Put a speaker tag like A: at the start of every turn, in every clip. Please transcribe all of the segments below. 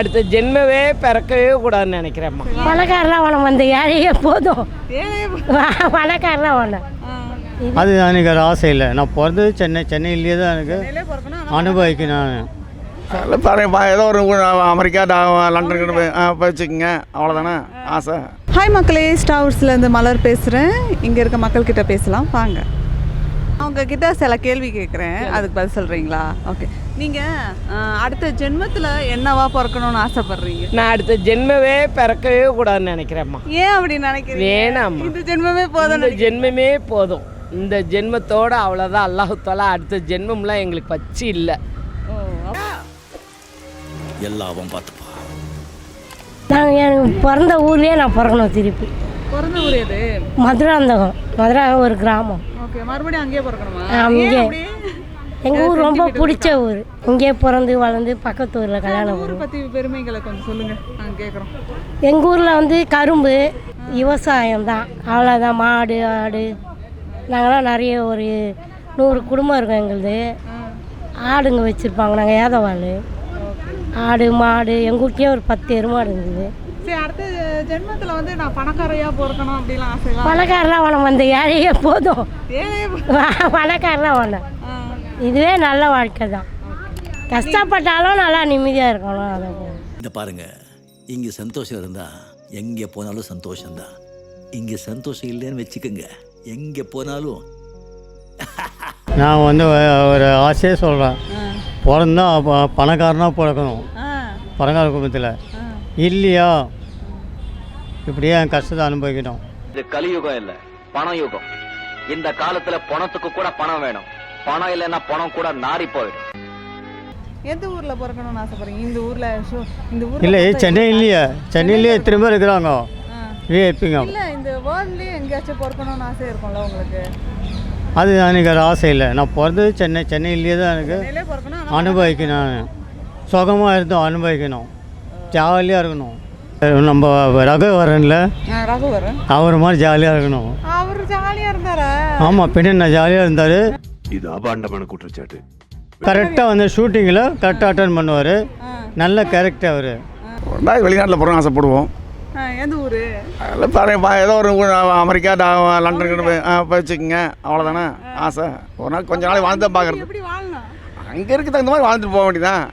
A: அடுத்த ஜென்மவே பிறக்கவே கூடாதுன்னு நினைக்கிறேம்மா.
B: பணக்காரலாம் வேணும், அந்த ஏழையே போதும். பணக்காரலாம் வேணும்.
C: அது எனக்கு ஒரு ஆசை இல்லை. நான் பிறந்தது சென்னையிலேயே தான் எனக்கு அனுபவிக்கணும்.
D: அதில் பாருங்கப்பா, ஏதோ ஒரு அமெரிக்கா லண்டனுக்கு போய் வச்சுக்கோங்க, அவ்வளோதானே ஆசை.
E: ஹாய் மக்களே, ஸ்டார்ஸ்லேருந்து மலர் பேசுகிறேன். இங்கே இருக்க மக்கள்கிட்ட பேசலாம் வாங்க. அவங்கக்கிட்ட சில கேள்வி கேட்குறேன், அதுக்கு பதில் சொல்கிறீங்களா? ஓகே. நீங்கள் அடுத்த ஜென்மத்தில் என்னவா பிறக்கணும்னு ஆசைப்பட்றீங்க?
A: நான் அடுத்த ஜென்மவே பிறக்கவே கூடாதுன்னு நினைக்கிறேம்மா.
E: ஏன் அப்படி நினைக்கிறீங்க?
A: வேணாம்மா,
E: இந்த ஜென்மமே போதும்.
A: இந்த ஜென்மமே போதும். இந்த ஜென்மத்தோடு அவ்வளோதான். அல்லாஹ் தஆலா அடுத்த ஜென்மம்லாம் எங்களுக்கு பச்சி இல்லை.
F: எல்லாவும் பார்த்துப்பா.
B: நான் எனக்கு பிறந்த ஊர்லேயே நான் பிறக்கணும். திருப்பி
E: பிறந்த ஊர் எது?
B: மதுராந்தகம். மதுராந்தகம் ஒரு கிராமம்.
E: ஓகே, மறுபடியும் அங்கேயே பிறக்கணுமா?
B: அங்கே எங்கள் ஊர் ரொம்ப பிடிச்ச ஊர். இங்கேயே பிறந்து வளர்ந்து பக்கத்து ஊரில் கல்யாணம்.
E: ஊரை பற்றி பெருமைகளை கொஞ்சம் சொல்லுங்கள், நாங்கள் கேட்குறோம்.
B: எங்கள் ஊரில் வந்து கரும்பு விவசாயம் தான், அவ்வளோதான். மாடு ஆடு நாங்களாம் நிறைய ஒரு 100 குடும்பம் இருக்கோம் எங்களுது. ஆடுங்க வச்சுருப்பாங்க. நாங்கள் ஏதவாள் ஆடு மாடு. எங்கள் வீட்லேயே ஒரு 10 எருமாடு இருந்தது.
E: சரி, அடுத்த ஜென்மத்தில் வந்து நான் பணக்காரையாக பிறக்கணும் அப்படிலாம் ஆசை.
B: பணக்காரலாம் வேணும், அந்த ஏழையே போதும். பணக்காரலாம் வேணும். இதுவே நல்ல வாழ்க்கை தான். கஷ்டப்பட்டாலும் நல்லா நிம்மதியாக இருக்கணும். அதை
F: இந்த பாருங்க, இங்கே சந்தோஷம் இருந்தால் எங்கே போனாலும் சந்தோஷம்தான். இங்கே சந்தோஷம் இல்லைன்னு வச்சுக்கோங்க, எங்கே போனாலும்.
C: நான் வந்து ஒரு ஆசையே சொல்கிறேன். பிறந்தா பணக்காரனாக பிறக்கணும், பணக்கார குடும்பத்தில். இல்லையா இப்படியே என் கஷ்டத்தை அனுபவிக்கணும்.
G: இது கலியுகம் இல்லை, பண யுகம். இந்த காலத்துல பணத்துக்கு கூட பணம் வேணும். பணம் இல்லைன்னா பணம் கூட நாரி போயிடும்.
E: எந்த ஊரில் பிறக்கணும்னு ஆசைப்படுறீங்க? இந்த ஊர்
C: இல்லை, சென்னையிலேயே திரும்ப இருக்கிறாங்க விஐபிங்க.
E: இல்லை, இந்த வேர்ல்ட்லேயே எங்கேயாச்சும் பிறக்கணும்னு ஆசை இருக்கும்ல உங்களுக்கு?
C: அது எனக்கு ஒரு ஆசை இல்லை. நான் பிறந்தது சென்னையிலேயே தான் எனக்கு அனுபவிக்கணும். சுகமாக இருந்தோம், அனுபவிக்கணும், ஜாலியாக இருக்கணும். நம்ம ரகுவரன்ல அவர் மாதிரி ஜாலியாக இருக்கணும்.
E: அவர் ஜாலியாக இருந்தாரா?
C: ஆமாம், பின்ன நான் ஜாலியாக இருந்தார்.
H: இது அபாண்டமான குற்றச்சாட்டு.
C: கரெக்டாக வந்து ஷூட்டிங்கில் கரெக்டாக அட்டன் பண்ணுவார். நல்ல கேரக்டர் அவர்.
D: வெளிநாட்டில் போகிறோம் ஆசைப்படுவோம்.
E: எந்த ஊர்?
D: அதில் பாருங்கப்பா, ஏதோ ஒரு அமெரிக்கா லண்டனுக்கு போய் வச்சுக்கோங்க, அவ்வளோதானே ஆசை. ஒரு நாள் கொஞ்ச நாள் வாழ்ந்து தான் பார்க்குறது.
E: எப்படி வாழணும்?
D: அங்கே இருக்க தகுந்த மாதிரி வாழ்ந்துட்டு போக வேண்டியதான்.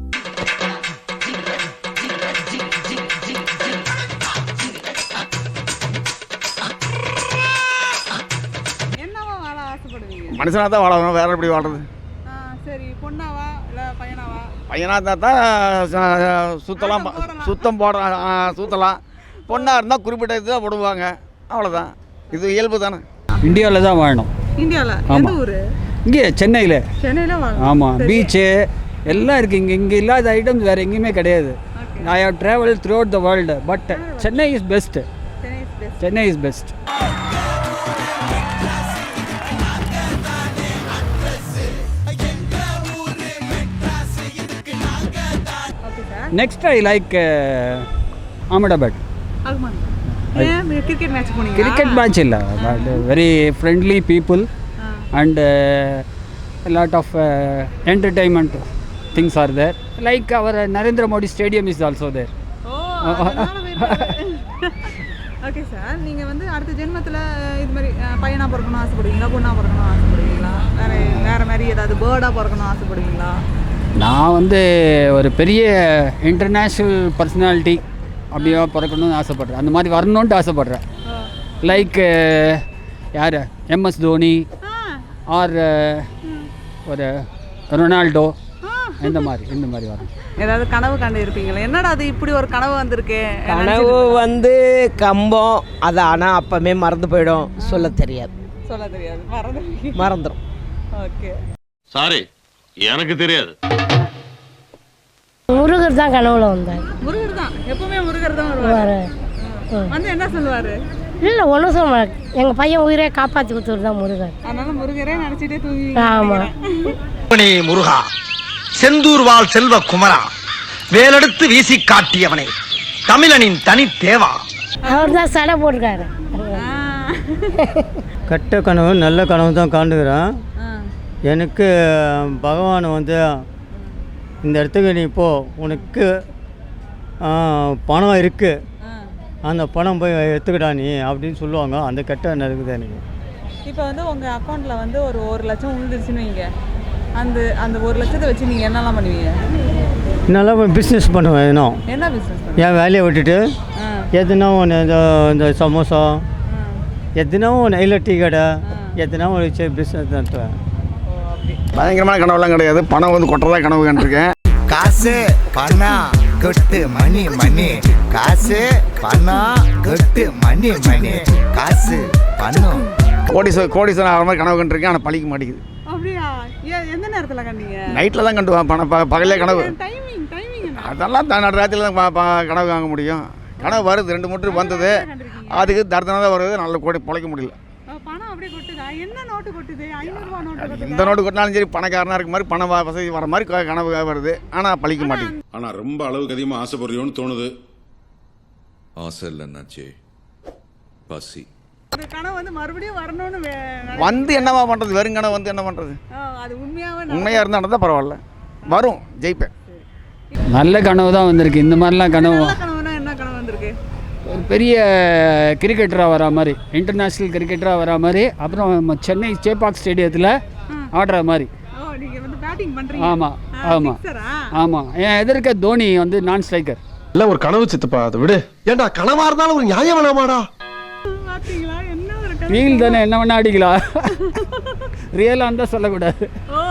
E: என்னவா வாழ ஆசைப்படுவீங்க?
D: மனுஷனாக தான் வாழணும், வேற எப்படி வாழ்றது?
E: சரி, பொண்ணாவா இல்லை பையனாவா?
D: பையனாக தான் சுத்தலாம். பொண்ணாக இருந்தால் குறிப்பிட்ட இது தான் போடுவாங்க, அவ்வளோதான். இது இயல்பு தானே.
I: இந்தியாவில் தான் வாழணும்.
E: இந்தியாவில்? எந்த ஊர்?
I: இங்கே சென்னையில்.
E: சென்னையில் வாழணும்.
I: ஆமாம், பீச்சு எல்லாம் இருக்குது. இங்கே இல்லாத ஐட்டம்ஸ் வேறு எங்கேயுமே கிடையாது. I have travel throughout the world, but Chennai is best. Chennai is best. Next I like Ahmedabad.
E: Cricket match போனீங்க?
I: Cricket match இல்ல, very friendly people and a lot of entertainment things are there. Like our Narendra Modi Stadium is also there.
E: Okay sir, நீங்கள் வந்து அடுத்த ஜென்மத்தில் இது மாதிரி பையனாக பிறக்கணும் ஆசைப்படுவீங்களா, பொண்ணாக பிறக்கணும் ஆசைப்படுவீங்களா, வேறு மாதிரி ஏதாவது பேர்டாக பிறக்கணும் ஆசைப்படுவீங்களா?
I: நான் வந்து ஒரு பெரிய இன்டர்நேஷ்னல் பர்சனாலிட்டி அப்படியே பிறக்கணும்னு ஆசைப்பட்றேன். அந்த மாதிரி வரணுன்ட்டு ஆசைப்பட்றேன். லைக் யார், எம்எஸ் தோனி ஆர் ஒரு ரொனால்டோ, இந்த மாதிரி வரணும்.
E: ஏதாவது கனவு கண்டு இருப்பீங்களா? என்னடா அது இப்படி ஒரு கனவு வந்திருக்கு?
A: கனவு வந்து கம்பம் அது, ஆனால் அப்பமே மறந்து போயிடும். சொல்ல தெரியாது. மறந்துடும்.
E: ஓகே,
H: சாரி, எனக்கு தெரியாது.
B: முருகர் தான் கனவுல வந்தார்.
E: முருகர் தான் எப்பவுமே முருகர் தான் வருவார். வந்து என்ன சொல்லுவார்?
B: இல்லை, ஒன்றும் சொல்ல மாட்டேன். எங்கள் பையன் உயிரை காப்பாற்றி கொடுத்தவர் தான் முருகர்.
E: அதனால முருகரே நினச்சிட்டே தூங்கி.
B: ஆமாம்.
J: முருகா, செந்தூர் வாழ் செல்வ குமரா, வேலெடுத்து வீசி காட்டியவனே, தமிழனின் தனி தேவா.
B: அவர் தான் சடை போட்டிருக்காரு.
C: கெட்ட கனவு நல்ல கனவு தான் காண்டுக்கிறேன். எனக்கு பகவான் வந்து இந்த இடத்துக்கு நீ போ, உனக்கு பணம் இருக்குது, அந்த பணம் போய் எடுத்துக்கிட்டா நீ அப்படின்னு சொல்லுவாங்க. அந்த கெட்ட எண்ணம் இருக்குது எனக்கு.
E: இப்போ வந்து உங்கள் அக்கௌண்ட்டில் வந்து ஒரு 1 லட்சம் விழுந்துருச்சுன்னு வைங்க, அந்த 1 லட்சத்தை வச்சு நீங்கள் என்னெல்லாம் பண்ணுவீங்க?
C: நல்லா பிஸ்னஸ் பண்ணுவேன்.
E: என்ன பிஸ்னஸ்?
C: என் வேலையை விட்டுட்டு எதுனா ஒன்று இந்த சமோசா எதுனா ஒன்று இல்லை, டீ கடை எதுனா ஒரு பிஸ்னஸ் நடத்துவேன்.
D: பயங்கரமான கனவுலாம் கிடையாது. பணம் வந்து கொட்டதான் கனவு கண்டிருக்கேன்.
J: காசு பணம் கொட்டு மணி மணி, காசு பணம் கொட்டு மணி மணி, காசு பணம்.
D: கோடீஸ்வரன் ஆகிற மாதிரி கனவு கண்டிருக்கேன். ஆனால் பழிக்க மாட்டேங்குது.
E: அப்படியா? எந்த நேரத்தில் கண்டீங்க?
D: நைட்டில் தான் கண்டுவேன். பகலே கனவு. அதெல்லாம் ராத்திரியில் தான் கனவு வாங்க முடியும். கனவு வருது, 2 மூட்டை வந்தது, அதுக்கு தர்தனாக தான் வருது. நல்ல கோடி பிழைக்க முடியல.
E: பணம் அப்படியே கொட்டுதா? என்ன நோட்டு கொட்டுது? 500 ரூபா நோட்டு.
D: எந்த நோட்டு கொட்டினாலும் சரி, பணக்காரனாக இருக்க மாதிரி பண வசதி வர மாதிரி கனவு வருது. ஆனால் பழிக்க மாட்டேங்குது.
H: ஆனா ரொம்ப அளவுக்கு அதிகமாக ஆசைப்படுறியோன்னு தோணுது.
F: ஆசை இல்லைன்னாச்சே, பசி.
E: கனவு வந்து மறுபடியும் வரணும்னு
D: வந்து என்னவா பண்ணுறது? வெறும் கனவு வந்து என்ன பண்ணுறது?
E: அது உண்மையாக
D: இருந்தால் நடந்தால் பரவாயில்ல, வரும், ஜெயிப்பேன்.
I: நல்ல கனவு தான் வந்திருக்கு. இந்த மாதிரிலாம் கனவு.
E: என்ன கனவு வந்திருக்கு?
I: ஒரு பெரிய கிரிக்கெட்டராக வரா மாதிரி, இன்டர்நேஷ்னல் கிரிக்கெட்டராக வரா மாதிரி, அப்புறம் சென்னை சேப்பாக் ஸ்டேடியத்தில் ஆடுற மாதிரி. ஆமாம் ஆமாம் ஆமாம். என் எதிர்க்க தோனி வந்து நான் ஸ்ட்ரைக்கர்.
J: இல்லை ஒரு கனவு சித்தப்பா, அதை விடு. ஏண்டா கனவா இருந்தாலும் ஒரு நியாயம் வேணாமாடா?
I: ரீல் தானே, என்ன வேணா அடிக்கலாம். ரியலாக இருந்தால் சொல்லக்கூடாது.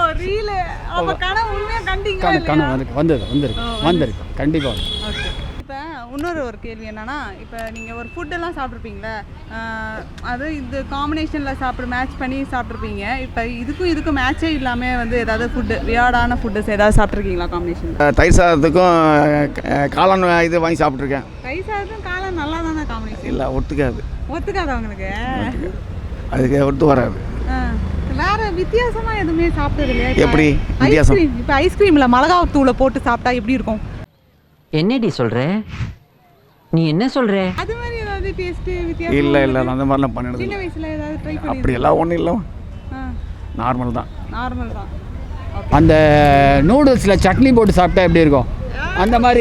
I: கனவு வந்திருக்கு கண்டிப்பாக.
E: இப்போ இன்னொரு கேள்வி என்னன்னா, இப்போ நீங்கள் ஒரு ஃபுட்டெல்லாம் சாப்பிட்ருப்பீங்களே, அது இது காம்பினேஷனில் மேட்ச் பண்ணி சாப்பிட்ருப்பீங்க. இப்போ இதுக்கும் மேட்சே இல்லாமல் வந்து ஏதாவது ஃபுட்டு, வியாடான ஃபுட்டு ஏதாவது சாப்பிட்ருக்கீங்களா காம்பினேஷன்?
D: தயிர் சாதத்துக்கும் காளான் இது வாங்கி சாப்பிட்ருக்கேன்.
E: தயிர் சாதத்துக்கும் காளான் நல்லா தானே காம்பினேஷன்?
D: இல்லை,
E: ஒத்துக்காத உங்களுக்கு?
D: அதுக்கு ஒத்து வராது.
E: வேற வித்தியாசமா எதுவுமே சாப்பிட்டது இல்லையா?
D: எப்படி வித்தியாசம்?
E: இப்போ ஐஸ்கிரீம்ல மிளகாய் தூளை போட்டு சாப்பிட்டா எப்படி இருக்கும்?
A: என்னடி சொல்ற? நீ என்ன சொல்ற?
E: அது மாதிரி ஏதாவது டேஸ்ட் வித்தியாசம்?
D: இல்லை அந்த மாதிரிலாம் பண்ணினது.
E: சின்ன வயசுல ஏதாவது ட்ரை பண்ணி?
D: அப்படியெல்லாம் ஒன்றும் இல்லை, நார்மல் தான்.
I: அந்த நூடுல்ஸில் சட்னி போட்டு சாப்பிட்டா எப்படி இருக்கும்? அந்த மாதிரி.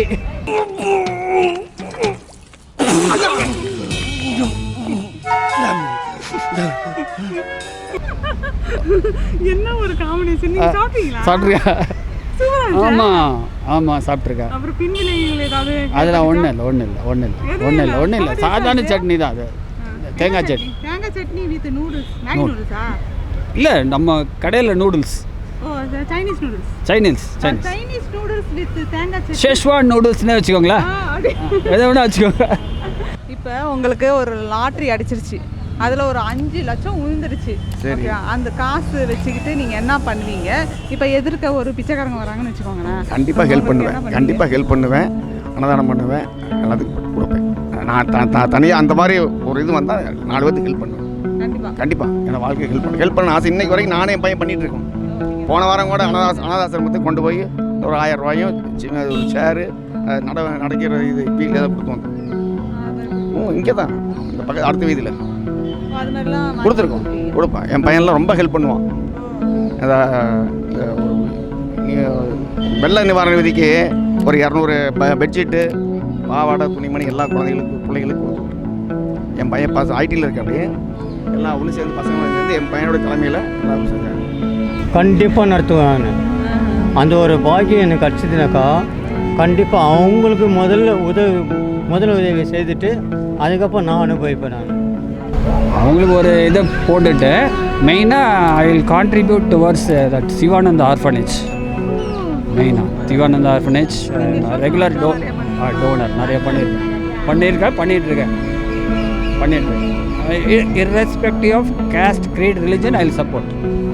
E: என்ன ஒரு காம்பினேஷன்! நீங்க சாப்பிட்டீங்களா?
I: சாப்பிட்ருக்கேன். ஆமாம் சாப்பிட்ருக்கேன்.
E: அப்புறம் பின்விளைவுகள் ஏதாவது?
I: அதெல்லாம் ஒன்றும் இல்லை. சாதாரண சட்னி தான் அது. தேங்காய்
E: சட்னி வித் நூடுல்ஸ். மேகி நூடுல்ஸா?
I: இல்லை, நம்ம கடையில் noodles.
E: Chinese noodles. Chinese noodles with தேங்காய் சட்னி.
I: ஷெஷ்வான் நூடுல்ஸ்னே வச்சுக்கோங்களேன். எதை வேணா வச்சுக்கோங்க.
E: இப்போ உங்களுக்கு ஒரு லாட்ரி அடிச்சிருச்சு, அதில் ஒரு 5 லட்சம் விழுந்துருச்சு. சரி, அந்த காசு வச்சுக்கிட்டு நீங்கள் என்ன பண்ணுவீங்க? இப்போ எதிர்க்க ஒரு பிச்சைக்காரங்க வராங்கன்னு வச்சுக்கோங்களேன்.
D: கண்டிப்பாக ஹெல்ப் பண்ணுவேன். அன்னதானம் பண்ணுவேன், எல்லாத்துக்கும் கொடுப்பேன். நான் தனியாக அந்த மாதிரி ஒரு இது வந்தால் 4 பேருக்கு ஹெல்ப் பண்ணுவேன். கண்டிப்பாக என்னோட வாழ்க்கையை ஹெல்ப் பண்ண ஆசை. இன்னைக்கு வரைக்கும் நானே என் பையன் பண்ணிகிட்டு இருக்கோம். போன வாரம் கூட அனாதாசிரமத்துக்கு கொண்டு போய் ஒரு 1000 ரூபாயும் ஒரு சேரு நடக்கிற இது வீட்டில் தான் கொடுத்து வந்தோம். இங்கே தான் இந்த பக்கம் அடுத்த வீதியில் கொடுப்பேன். என் பையன்லாம் ரொம்ப ஹெல்ப் பண்ணுவான். வெள்ள நிவாரண விதிக்கு ஒரு 200 பெட்ஷீட்டு, பாவாடை, துணிமணி எல்லா பிள்ளைகளுக்கு கொடுத்துட்டு என் பையன் ஐடியில் இருக்க. அப்படியே எல்லாம் ஒன்று சேர்ந்து பசங்க சேர்ந்து என் பையனோட தலைமையில் எல்லாம் செஞ்சாங்க.
C: கண்டிப்பாக நடத்துவேன் நான். அந்த ஒரு பாக்கியம் எனக்கு கிடச்சிதுனாக்கா கண்டிப்பாக அவங்களுக்கு முதல் உதவி செய்துட்டு அதுக்கப்புறம் நான் அனுபவிப்பேன். நான்
I: அவங்களுக்கு ஒரு இதை போட்டுட்டு மெயினாக I will contribute towards that Sivananda orphanage. மெயினாக சிவானந்த ஆர்ஃபனேஜ் ரெகுலர் டோனர் நிறைய பண்ணிகிட்ருக்கேன். irrespective of caste, creed, religion, I will support.